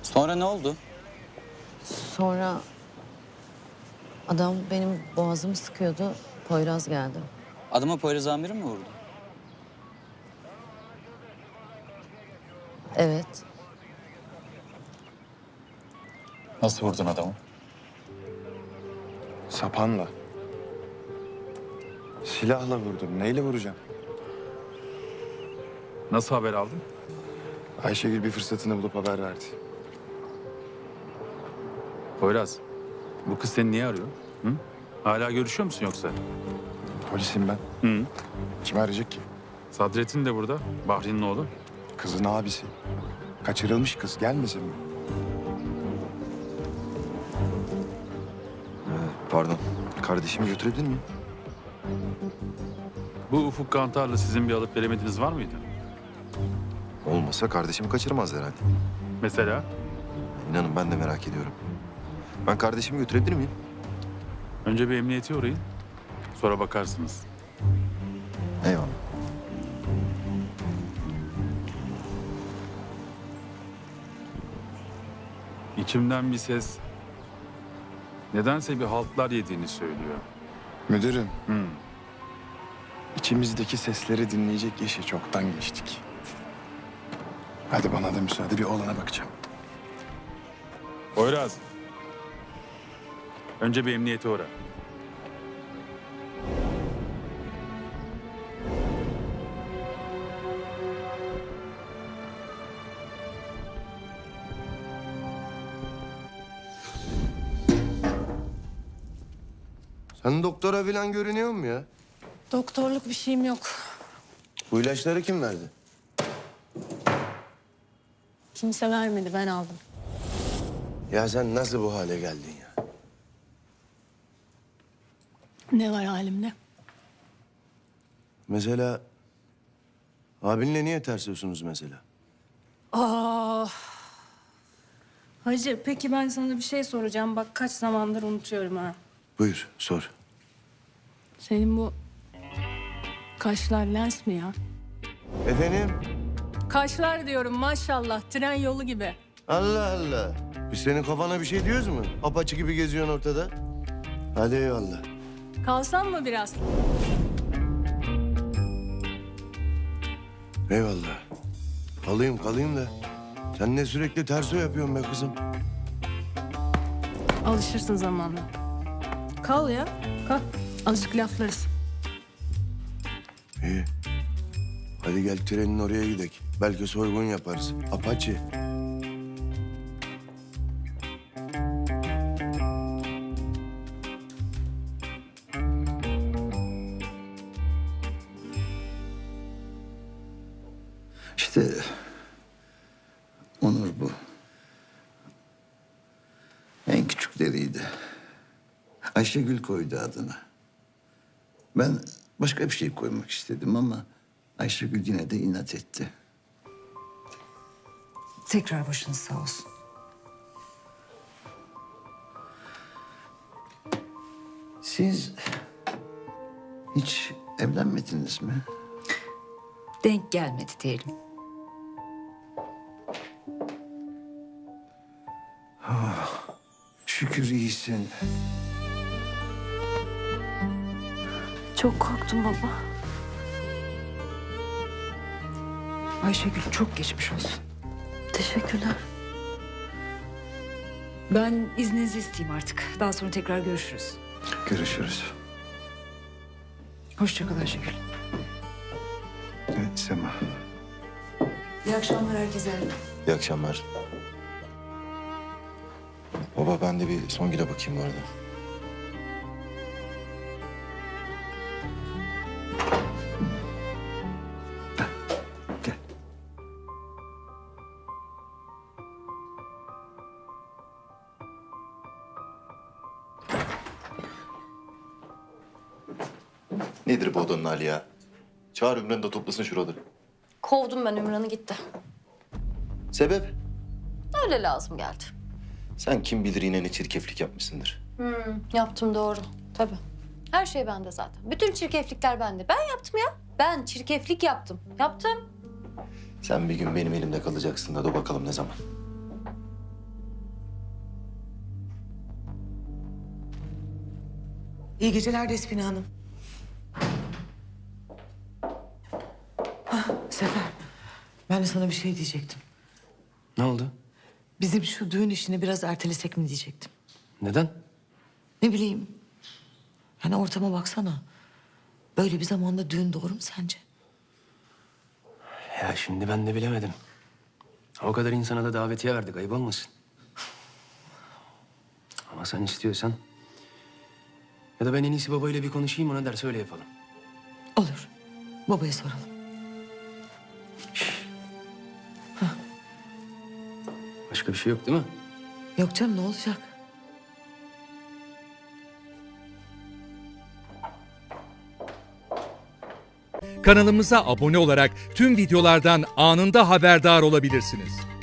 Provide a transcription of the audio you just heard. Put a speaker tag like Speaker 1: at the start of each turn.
Speaker 1: Sonra ne oldu?
Speaker 2: Sonra adam benim boğazımı sıkıyordu. Poyraz geldi.
Speaker 1: Adama Poyraz amirim mi vurdu?
Speaker 2: Evet.
Speaker 3: Nasıl vurdun adamı?
Speaker 4: Sapanla. Silahla vurdum. Neyle vuracağım?
Speaker 3: Nasıl haber aldın?
Speaker 4: Ayşegül bir fırsatını bulup haber verdi.
Speaker 3: Poyraz, bu kız seni niye arıyor? Hı? Hala görüşüyor musun yoksa?
Speaker 4: Polisim ben.
Speaker 3: Hı.
Speaker 4: Kim arayacak ki?
Speaker 3: Sadrettin de burada, Bahri'nin oğlu.
Speaker 4: Kızın abisi. Kaçırılmış kız. Gelmesin mi?
Speaker 5: Pardon. Kardeşimi götürebilir miyim?
Speaker 3: Bu Ufuk Kantar'la sizin bir alıp veremediğiniz var mıydı?
Speaker 5: Olmasa kardeşimi kaçırmaz herhalde.
Speaker 3: Mesela?
Speaker 5: İnanın ben de merak ediyorum. Ben kardeşimi götürebilir miyim?
Speaker 3: Önce bir emniyete uğrayın, sonra bakarsınız.
Speaker 5: Eyvallah.
Speaker 3: İçimden bir ses, nedense bir haltlar yediğini söylüyor.
Speaker 4: Müdürüm,
Speaker 3: Hı.
Speaker 4: içimizdeki sesleri dinleyecek yaşı çoktan geçtik. Hadi bana da müsaade, bir oğlana bakacağım.
Speaker 3: Poyraz, önce bir emniyete uğra.
Speaker 6: Sen doktora falan görünüyor mu ya?
Speaker 7: Doktorluk bir şeyim yok.
Speaker 6: Bu ilaçları kim verdi?
Speaker 7: Kimse vermedi, ben aldım.
Speaker 6: Ya sen nasıl bu hale geldin ya?
Speaker 7: Ne var halimde?
Speaker 6: Mesela abinle niye tersliyorsunuz mesela?
Speaker 7: Hacı, peki ben sana bir şey soracağım. Bak kaç zamandır unutuyorum ha.
Speaker 6: Buyur sor.
Speaker 7: Senin bu kaşlar lens mi ya?
Speaker 6: Efendim?
Speaker 7: Kaşlar diyorum maşallah, tren yolu gibi.
Speaker 6: Allah Allah. Biz senin kafana bir şey diyoruz mu? Apaçı gibi geziyorsun ortada. Hadi eyvallah.
Speaker 7: Kalsam mı biraz?
Speaker 6: Eyvallah. Kalayım da. Sen ne sürekli terso yapıyorsun be kızım?
Speaker 7: Alışırsın zamanla. Kal ya, kal. Azıcık laflarız.
Speaker 6: İyi. Hadi gel trenin oraya gidelim. Belki soygun yaparız. Apaçi.
Speaker 8: İşte Onur bu. En küçükleriydi. Ayşegül koydu adını. Ben başka bir şey koymak istedim ama Ayşegül yine de inat etti.
Speaker 9: Tekrar başınız sağ olsun.
Speaker 8: Siz hiç evlenmediniz mi?
Speaker 9: Denk gelmedi diyelim.
Speaker 8: Şükür iyisin.
Speaker 2: Çok korktum baba.
Speaker 9: Ayşegül çok geçmiş olsun.
Speaker 2: Teşekkürler.
Speaker 9: Ben izninizi isteyeyim artık. Daha sonra tekrar görüşürüz.
Speaker 8: Görüşürüz.
Speaker 9: Hoşça kal Ayşegül.
Speaker 8: Evet, Sema.
Speaker 9: İyi akşamlar herkese.
Speaker 5: İyi akşamlar. Baba ben de bir Songül'e bakayım bu arada.
Speaker 8: Gel.
Speaker 5: Nedir bu odanın hali ya? Çağır Ümran'ı da toplasın şuraları.
Speaker 2: Kovdum ben Ümran'ı gitti.
Speaker 5: Sebep?
Speaker 2: Öyle lazım geldi.
Speaker 5: Sen kim bilir yine ne çirkeflik yapmışsındır.
Speaker 2: Yaptım doğru. Tabii. Her şey bende zaten. Bütün çirkeflikler bende. Ben yaptım ya. Ben çirkeflik yaptım. Yaptım.
Speaker 5: Sen bir gün benim elimde kalacaksın da dur bakalım ne zaman.
Speaker 10: İyi geceler Despina Hanım. Sefer, ben de sana bir şey diyecektim.
Speaker 11: Ne oldu?
Speaker 10: Bizim şu düğün işini biraz ertelesek mi diyecektim.
Speaker 11: Neden?
Speaker 10: Ne bileyim. Yani ortama baksana. Böyle bir zamanda düğün doğru mu sence?
Speaker 11: Ya şimdi ben de bilemedim. O kadar insana da davetiye verdik, ayıp olmasın. Ama sen istiyorsan... Ya da ben en iyisi babayla bir konuşayım, ona derse öyle yapalım.
Speaker 10: Olur. Babaya soralım.
Speaker 11: Başka bir şey yok değil mi?
Speaker 10: Yok canım, ne olacak?
Speaker 12: Kanalımıza abone olarak tüm videolardan anında haberdar olabilirsiniz.